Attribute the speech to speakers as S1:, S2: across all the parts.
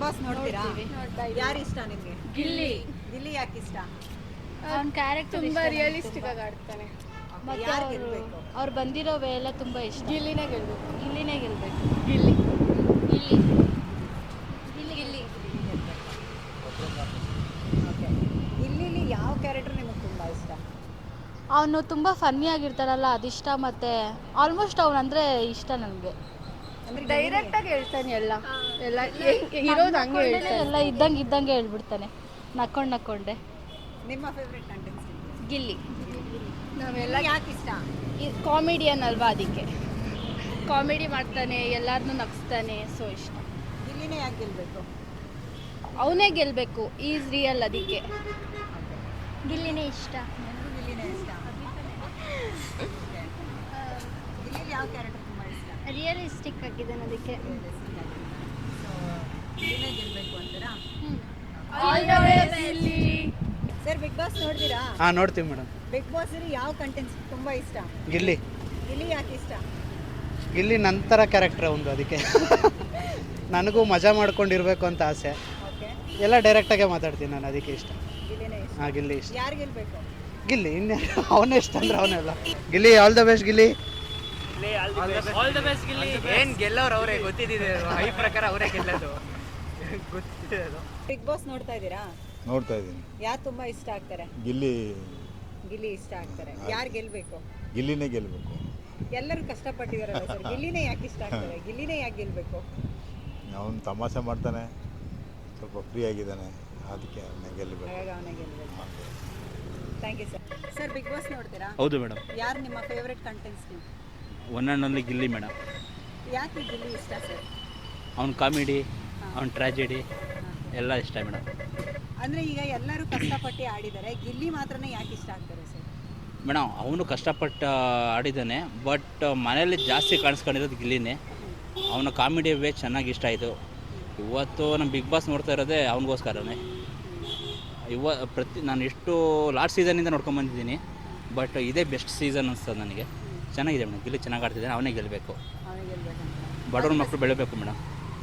S1: Boss ನೋಡ್ತೀರಾ? ಯಾರು ಇಷ್ಟ ನಿಮಗೆ?
S2: ಗಿಲ್ಲಿ.
S1: ಗಿಲ್ಲಿ ಯಾಕೆ ಇಷ್ಟ?
S2: ಅವ್ನ ಕ್ಯಾರೆಕ್ಟರ್
S3: ತುಂಬಾ ರಿಯಲಿಸ್ಟಿಕ್ ಆಗಿ ಆಡ್ತಾನೆ.
S2: ಮತ್ತೆ
S1: ಯಾರು ಗೆಲ್ಬೇಕು?
S2: ಅವ್ರು ಬಂದಿರೋ ವೇ ಎಲ್ಲ ತುಂಬ ಇಷ್ಟ.
S3: ಗಿಲ್ಲಿನೇ ಗೆಲ್ಬೇಕು.
S2: ಗಿಲ್ಲಿನೇ ಗೆಲ್ಬೇಕು.
S3: ಗಿಲ್ಲಿ.
S2: ಗಿಲ್ಲಿ.
S1: ಗಿಲ್ಲಿ ಓಕೆ. ಗಿಲ್ಲಿಲಿ ಯಾವ ಕ್ಯಾರೆಕ್ಟರ್ ನಿಮಗೆ ತುಂಬ ಇಷ್ಟ?
S2: ಅವನು ತುಂಬ ಫನ್ನಿ ಆಗಿರ್ತಾರಲ್ಲ ಅದಿಷ್ಟ, ಮತ್ತು ಆಲ್ಮೋಸ್ಟ್ ಅವನಂದರೆ ಇಷ್ಟ ನನಗೆ.
S1: ಅಂದ್ರೆ
S3: ಡೈರೆಕ್ಟ್ ಆಗಿ ಹೇಳ್ತಾನೆ ಎಲ್ಲ ಇರೋದು ಹಂಗೆ ಹೇಳ್ತಾನೆ.
S2: ಎಲ್ಲ ಇದ್ದಂಗೆ ಹೇಳ್ಬಿಡ್ತಾನೆ, ನಕ್ಕೊಂಡೆ.
S1: ನಿಮ್ಮ ಫೇವ್ರೆಟ್ ಕಂಟೆಂಟ್ಸ್?
S2: ಗಿಲ್ಲಿ.
S3: ನಾವೆಲ್ಲ
S1: ಯಾಕೆ ಇಷ್ಟ?
S3: ಕಾಮಿಡಿಯನ್ ಅಲ್ವಾ, ಅದಕ್ಕೆ ಕಾಮಿಡಿ ಮಾಡ್ತಾನೆ, ಎಲ್ಲರನ್ನೂ ನಗಿಸ್ತಾನೆ, ಸೊ ಇಷ್ಟ.
S1: ಗಿಲ್ಲಿನೇ ಯಾಕೆ ಗೆಲ್ಬೇಕು?
S3: ಅವನೇ ಗೆಲ್ಬೇಕು, ಈಸ್ ರಿಯಲ್, ಅದಕ್ಕೆ
S2: ಗಿಲ್ಲಿನೇ ಇಷ್ಟ.
S1: ನನಗೂ ಗಿಲ್ಲಿನೇ ಇಷ್ಟ. ಗಿಲ್ಲಿಲಿ ಯಾವ ಕ್ಯಾರೆಕ್ಟರ್ ತುಂಬ ಇಷ್ಟ?
S2: ರಿಯಲಿಸ್ಟಿಕ್ ಆಗಿದ್ದಾನೆ, ಅದಕ್ಕೆ.
S1: ಸೊ ಗಿಲ್ಲಿನೇ ಗೆಲ್ಬೇಕು ಅಂತೀರಾ?
S3: ಗಿಲ್ಲಿ.
S1: ಸರ್, ಬಿಗ್ ಬಾಸ್ ನೋಡ್ತೀರಾ?
S4: ಹಾಂ ನೋಡ್ತೀವಿ ಮೇಡಮ್.
S1: ಬಿಗ್ ಬಾಸ್ ಯಾವ ಕಂಟೆಂಟ್ಸ್ ತುಂಬ ಇಷ್ಟ?
S4: ಗಿಲ್ಲಿ.
S1: ಗಿಲ್ಲಿ ಯಾಕೆ ಇಷ್ಟ?
S4: ಗಿಲ್ಲಿ ನಂತರ ಕ್ಯಾರೆಕ್ಟರ್ ಒಂದು, ಅದಕ್ಕೆ ನನಗೂ ಮಜಾ ಮಾಡ್ಕೊಂಡಿರ್ಬೇಕು ಅಂತ ಆಸೆ.
S1: ಓಕೆ.
S4: ಎಲ್ಲ ಡೈರೆಕ್ಟಾಗೆ ಮಾತಾಡ್ತೀನಿ ನಾನು, ಅದಕ್ಕೆ ಇಷ್ಟ.
S1: ಗಿಲ್ಲಿನೇ ಇಷ್ಟ.
S4: ಹಾಂ ಗಿಲ್ಲಿ ಇಷ್ಟ.
S1: ಯಾರು ಗೆಲ್ಬೇಕು?
S4: ಗಿಲ್ಲಿ ಇನ್ನೇ ಅವನೇ ಇಷ್ಟ ಅಂದ್ರೆ ಅವನೆಲ್ಲ. Gilli all the best Gilli.
S5: ಏನ್ ಗೆಲ್ಲೋರು ಅವರೇ ಗೊತ್ತಿದೆ, ಈ ಪ್ರಕಾರ ಅವರೇ ಗೆಲ್ಲೋದು ಗೊತ್ತಿದೆ.
S1: ಬಿಗ್ ಬಾಸ್ ನೋಡ್ತಾ ಇದ್ದೀರಾ?
S6: ನೋಡ್ತಾ ಇದ್ದೀನಿ.
S1: ಯಾರು ತುಂಬಾ ಇಷ್ಟ ಆಗ್ತಾರೆ?
S6: ಗಿಲ್ಲಿ.
S1: ಗಿಲ್ಲಿ ಇಷ್ಟ ಆಗ್ತಾರೆ. ಯಾರು ಗೆಲ್ಬೇಕು?
S6: ಗಿಲ್ಲಿನೇ ಗೆಲ್ಲಬೇಕು.
S1: ಎಲ್ಲರೂ ಕಷ್ಟಪಟ್ಟಿದಾರಲ್ಲ ಸರ್, ಗಿಲ್ಲಿನೇ ಯಾಕೆ ಇಷ್ಟ ಆಗ್ತಾರೆ? ಗಿಲ್ಲಿನೇ ಯಾಕೆ ಗೆಲ್ಬೇಕು?
S6: ಅವನು ತಮಾಷೆ ಮಾಡ್ತಾನೆ, ಸ್ವಲ್ಪ ಫ್ರೀ ಆಗಿದ್ದಾನೆ, ಅದಕ್ಕೆ ಅವನ್ನ ಗೆಲ್ಲಬೇಕು.
S1: ಹಾಗಾಗಿ ಅವನೇ ಗೆಲ್ಬೇಕು. Thank you sir. Sir, Bigg Boss ನೋಡ್ತೀರಾ?
S7: ಹೌದು ಮೇಡಮ್.
S1: ಯಾರು ನಿಮ್ಮ favourite contents?
S7: One and only Gilli madam.
S1: ಯಾಕೆ ಗಿಲ್ಲಿ ಇಷ್ಟ ಸರ್?
S7: ಅವ್ನ ಕಾಮಿಡಿ, ಅವ್ನ ಟ್ರಾಜಿಡಿ ಎಲ್ಲ ಇಷ್ಟ ಮೇಡಮ್.
S1: ಅಂದರೆ ಈಗ ಎಲ್ಲರೂ ಕಷ್ಟಪಟ್ಟು ಆಡಿದ್ದಾರೆ, ಗಿಲ್ಲಿ ಮಾತ್ರನೇ ಯಾಕೆ ಇಷ್ಟ ಆಗ್ತಾರೆ ಸರ್?
S7: ಮೇಡಮ್ ಅವನು ಕಷ್ಟಪಟ್ಟು ಆಡಿದ್ದಾನೆ, ಬಟ್ ಮನೇಲಿ ಜಾಸ್ತಿ ಕಾಣಿಸ್ಕೊಂಡಿರೋದು ಗಿಲ್ಲಿನೇ. ಅವನ ಕಾಮಿಡಿ ವೇ ಚೆನ್ನಾಗಿ ಇಷ್ಟ ಆಯಿತು. ಇವತ್ತು ನಮ್ಮ ಬಿಗ್ ಬಾಸ್ ನೋಡ್ತಾ ಇರೋದೇ ಅವನಿಗೋಸ್ಕರನೇ. ನಾನು ಎಷ್ಟು ಲಾಸ್ಟ್ ಸೀಸನಿಂದ ನೋಡ್ಕೊಂಬಂದಿದ್ದೀನಿ, ಬಟ್ ಇದೇ ಬೆಸ್ಟ್ ಸೀಸನ್ ಅನಿಸ್ತದೆ ನನಗೆ. ಚೆನ್ನಾಗಿದೆ ಮೇಡಮ್, ಗಿಲ್ಲಿ ಚೆನ್ನಾಗಿ ಆಡ್ತಿದ್ದಾನೆ, ಅವನೇ ಗೆಲ್ಲಬೇಕು.
S1: ಅವನೇ ಗೆಲ್ಬೇಕಂತ.
S7: ಬಡವ್ರ ಮಕ್ಕಳು ಬೆಳಿಬೇಕು ಮೇಡಮ್.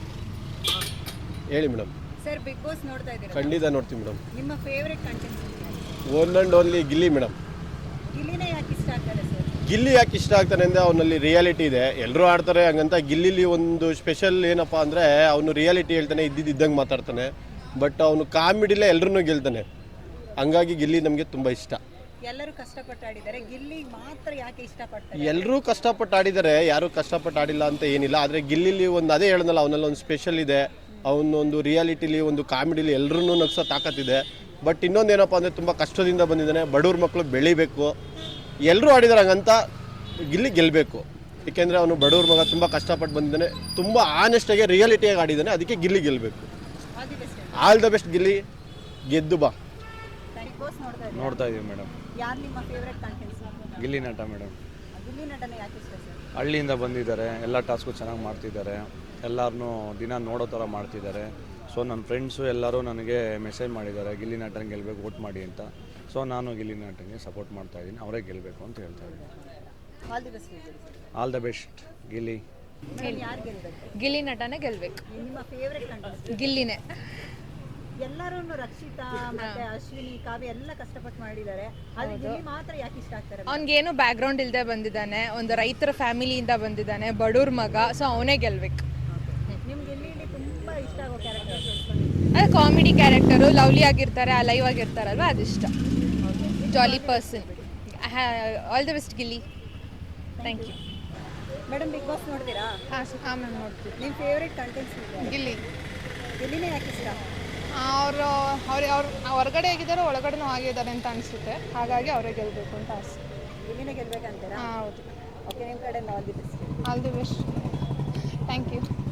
S8: ಹೇಳಿ ಮೇಡಮ್.
S1: ಸರ್, ಬಿಗ್ ಬಾಸ್ ನೋಡ್ತಾ ಇದ್ದೀರಾ?
S8: ಖಂಡಿತ ನೋಡ್ತೀವಿ ಮೇಡಮ್.
S1: ನಿಮ್ಮ favourite contents?
S8: One and only Gilli madam.
S1: ಗಿಲ್ಲಿನೇ ಯಾಕೆ ಇಷ್ಟ ಆಗ್ತಾರೆ ಸರ್?
S8: ಗಿಲ್ಲಿ ಯಾಕೆ ಇಷ್ಟ ಆಗ್ತಾನೆ ಅಂದರೆ ಅವನಲ್ಲಿ ರಿಯಾಲಿಟಿ ಇದೆ, ಎಲ್ಲರೂ ಆಡ್ತಾರೆ ಹಂಗಂತ. ಗಿಲ್ಲಿಲಿ ಒಂದು ಸ್ಪೆಷಲ್ ಏನಪ್ಪ ಅಂದರೆ ಅವನು ರಿಯಾಲಿಟಿ ಹೇಳ್ತಾನೆ, ಇದ್ದಂಗೆ ಮಾತಾಡ್ತಾನೆ, ಬಟ್ ಅವನು ಕಾಮಿಡಿಲೇ ಎಲ್ಲರನ್ನೂ ಗೆಲ್ತಾನೆ. ಹಂಗಾಗಿ ಗಿಲ್ಲಿ ನಮಗೆ ತುಂಬ ಇಷ್ಟ.
S1: ಎಲ್ಲರೂ ಕಷ್ಟಪಟ್ಟು ಆಡಿದ್ದಾರೆ, ಗಿಲ್ಲಿ ಮಾತ್ರ ಯಾಕೆ ಇಷ್ಟಪಡ್ತಾರೆ?
S8: ಎಲ್ಲರೂ ಕಷ್ಟಪಟ್ಟು ಆಡಿದ್ದಾರೆ, ಯಾರೂ ಕಷ್ಟಪಟ್ಟು ಆಡಿಲ್ಲ ಅಂತ ಏನಿಲ್ಲ. ಆದರೆ ಗಿಲ್ಲಿಲಿ ಒಂದು ಅದೇ ಹೇಳಿದ್ನಲ್ಲ, ಅವನಲ್ಲಿ ಒಂದು ಸ್ಪೆಷಲ್ ಇದೆ. ಅವನೊಂದು ರಿಯಾಲಿಟಿಲಿ, ಒಂದು ಕಾಮಿಡಿಲಿ ಎಲ್ಲರೂ ನಗ್ಸೋ ತಾಕತ್ತಿದೆ. ಬಟ್ ಇನ್ನೊಂದೇನಪ್ಪ ಅಂದರೆ ತುಂಬ ಕಷ್ಟದಿಂದ ಬಂದಿದ್ದಾನೆ, ಬಡವ್ರ ಮಕ್ಕಳು ಬೆಳಿಬೇಕು. ಎಲ್ಲರೂ ಆಡಿದ್ದಾರೆ ಹಂಗಂತ ಗಿಲ್ಲಿ ಗೆಲ್ಲಬೇಕು. ಏಕೆಂದರೆ ಅವನು ಬಡವ್ರ ಮಗ, ತುಂಬ ಕಷ್ಟಪಟ್ಟು ಬಂದಿದ್ದಾನೆ, ತುಂಬ ಆನೆಸ್ಟಾಗಿ ರಿಯಾಲಿಟಿಯಾಗಿ ಆಡಿದ್ದಾನೆ, ಅದಕ್ಕೆ ಗಿಲ್ಲಿ ಗೆಲ್ಲಬೇಕು. ಆಲ್ ದ ಬೆಸ್ಟ್ ಗಿಲ್ಲಿ, ಗೆದ್ದು ಬಾ.
S6: ನೋಡ್ತಾ ಇದೀವಿ ಮೇಡಮ್.
S1: ಯಾರು ನಿಮ್ಮ ಫೇವ್ರೆಟ್ ಕಂಟೆಂಟ್ಸ್?
S6: ಗಿಲ್ಲಿ ನಟ ಮೇಡಮ್.
S1: ಗಿಲ್ಲಿ ನಟನೆ ಯಾಕೆ ಇಷ್ಟ ಸರ್?
S6: ಹಳ್ಳಿಯಿಂದ ಬಂದಿದ್ದಾರೆ, ಎಲ್ಲ ಟಾಸ್ಕು ಚೆನ್ನಾಗಿ ಮಾಡ್ತಿದ್ದಾರೆ, ಎಲ್ಲರನ್ನೂ ದಿನ ನೋಡೋ ಥರ ಮಾಡ್ತಿದ್ದಾರೆ. ಸೊ ನನ್ನ ಫ್ರೆಂಡ್ಸು ಎಲ್ಲರೂ ನನಗೆ ಮೆಸೇಜ್ ಮಾಡಿದ್ದಾರೆ, ಗಿಲ್ಲಿ ನಟನ ಗೆಲ್ಲಬೇಕು, ವೋಟ್ ಮಾಡಿ ಅಂತ. ಸೊ ನಾನು ಗಿಲ್ಲಿ ನಟನಿಗೆ ಸಪೋರ್ಟ್ ಮಾಡ್ತಾ ಇದ್ದೀನಿ, ಅವರೇ ಗೆಲ್ಲಬೇಕು ಅಂತ ಹೇಳ್ತಾ ಇದ್ದೀನಿ.
S1: All the best.
S6: All the best Gilli.
S1: ಯಾರು ಗೆಲ್ಬೇಕು?
S3: ಗಿಲ್ಲಿ ನಟನೇ ಗೆಲ್ಬೇಕು.
S1: ನಿಮ್ಮ ಫೇವ್ರೆಟ್ ಕಂಟೆಂಟ್ಸ್?
S3: ಗಿಲ್ಲಿನೇ.
S1: ಎಲ್ಲರೂ ರಕ್ಷಿತಾ ಮತ್ತೆ ಅಶ್ವಿನಿ, ಕಾವ್ಯ ಎಲ್ಲ ಕಷ್ಟಪಟ್ಟು ಮಾಡಿದ್ದಾರೆ, ಆದ್ರೆ ಗಿಲ್ಲಿ ಮಾತ್ರ ಯಾಕೆ ಇಷ್ಟ ಆಗ್ತಾರೆ?
S3: ಅವ್ನಿಗೇನು ಬ್ಯಾಕ್ಗ್ರೌಂಡ್ ಇಲ್ಲದೆ ಬಂದಿದ್ದಾನೆ, ಒಂದು ರೈತರ ಫ್ಯಾಮಿಲಿಯಿಂದ ಬಂದಿದ್ದಾನೆ, ಬಡವ್ರ ಮಗ, ಸೊ ಅವನೇ ಗೆಲ್ಬೇಕು.
S1: ನಿಮ್ಗೆ ಗಿಲ್ಲಿಲಿ ತುಂಬಾ ಇಷ್ಟ ಆಗೋ ಕ್ಯಾರೆಕ್ಟರ್?
S3: ಅದು ಕಾಮಿಡಿ ಕ್ಯಾರೆಕ್ಟರು, ಲವ್ಲಿ ಆಗಿರ್ತಾರೆ, ಲೈವ್ ಆಗಿರ್ತಾರಲ್ವ, ಅದಿಷ್ಟ. Jolly person. All the best Gilli. Thank you
S1: madam. Bigg Boss ನೋಡ್ತೀರಾ?
S3: ಹಾಂ ಮ್ಯಾಮ್, ನೋಡ್ತೀವಿ.
S1: ನಿಮ್ಮ ಫೇವ್ರೆಟ್ ಕಂಟೆಂಟ್ಸ್?
S3: ಗಿಲ್ಲಿ.
S1: ಗಿಲ್ಲಿನೇ ಯಾಕೆ ಇಷ್ಟ?
S3: ಅವರು ಹೊರಗಡೆ ಆಗಿದ್ದಾರೆ, ಒಳಗಡೆನೂ ಆಗಿದ್ದಾರೆ ಅಂತ ಅನಿಸುತ್ತೆ, ಹಾಗಾಗಿ ಅವರೇ ಗೆಲ್ಲಬೇಕು ಅಂತ ಆಸೆ.
S1: ಗಿಲ್ಲಿನೇ ಗೆಲ್ಬೇಕಂತೀರಾ?
S3: ಹಾಂ, ಹೌದು.
S1: ಓಕೆ, ನಿಮ್ಮ ಕಡೆಯಿಂದ all the best.
S3: All the best. Thank you.